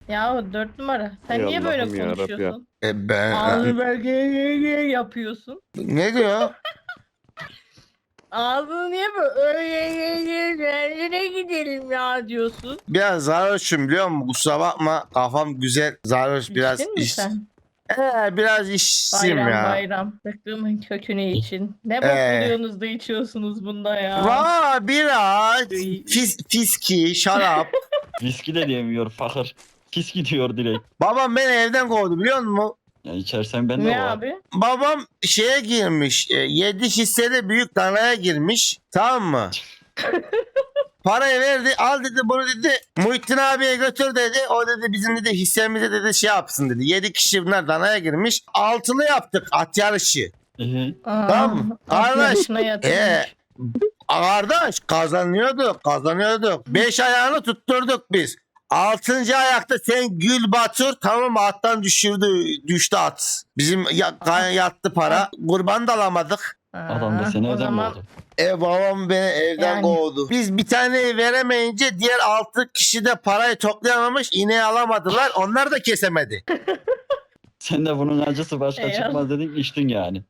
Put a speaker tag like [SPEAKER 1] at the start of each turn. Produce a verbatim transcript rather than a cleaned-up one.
[SPEAKER 1] Ya dört numara. Sen
[SPEAKER 2] Ey
[SPEAKER 1] niye böyle
[SPEAKER 2] Allah'ım ya Rabbi ya.
[SPEAKER 1] konuşuyorsun?
[SPEAKER 3] E ben
[SPEAKER 1] Ağzı böyle yapıyorsun.
[SPEAKER 3] ne diyor?
[SPEAKER 1] Ağzını niye böyle nereye gidelim ya diyorsun.
[SPEAKER 3] Biraz sarhoşum biliyor musun? Kusura bakma kafam güzel. Sarhoş biraz
[SPEAKER 1] İçtin mi
[SPEAKER 3] iş.
[SPEAKER 1] sen?
[SPEAKER 3] Ee, biraz işsim
[SPEAKER 1] Bayram
[SPEAKER 3] ya.
[SPEAKER 1] bayram. Bıktığımın kökünü için. Ne bok
[SPEAKER 3] Ee.
[SPEAKER 1] buluyorsunuz da içiyorsunuz bunda ya.
[SPEAKER 3] Vaa biraz fis, fiski, şarap.
[SPEAKER 4] Viski de diyemiyor fakir. Fiski diyor direkt.
[SPEAKER 3] Babam beni evden kovdu biliyor musun?
[SPEAKER 4] Ya içersen ben de
[SPEAKER 1] Ne
[SPEAKER 4] var.
[SPEAKER 1] abi?
[SPEAKER 3] Babam şeye girmiş. Yedi hissede büyük danaya girmiş. Tamam mı? Parayı verdi. Al dedi bunu dedi. Muhittin abiye götür dedi. O dedi bizim dedi hissemize dedi şey yapsın dedi. Yedi kişi bunlar danaya girmiş. Altılı yaptık at yarışı.
[SPEAKER 4] Ee,
[SPEAKER 1] Aa,
[SPEAKER 3] Tamam.
[SPEAKER 1] at
[SPEAKER 3] Kardeş,
[SPEAKER 1] yarışına yatırmış.
[SPEAKER 3] ee, Kardeş kazanıyorduk kazanıyorduk. Beş ayağını tutturduk biz. Altıncı ayakta sen Gül Batur tamam mı attan düşürdü düştü at. Bizim ya, yattı para. Kurban da alamadık.
[SPEAKER 4] adam da seni
[SPEAKER 1] o
[SPEAKER 4] evden
[SPEAKER 1] zaman
[SPEAKER 4] kovdu.
[SPEAKER 3] E babam beni evden
[SPEAKER 1] Yani.
[SPEAKER 3] kovdu. Biz bir taneyi veremeyince diğer altı kişi de parayı toplayamamış. İneği alamadılar. Onlar da kesemedi.
[SPEAKER 4] Sen de bunun acısı başka
[SPEAKER 1] Eyvallah.
[SPEAKER 4] çıkmaz dedin içtin yani.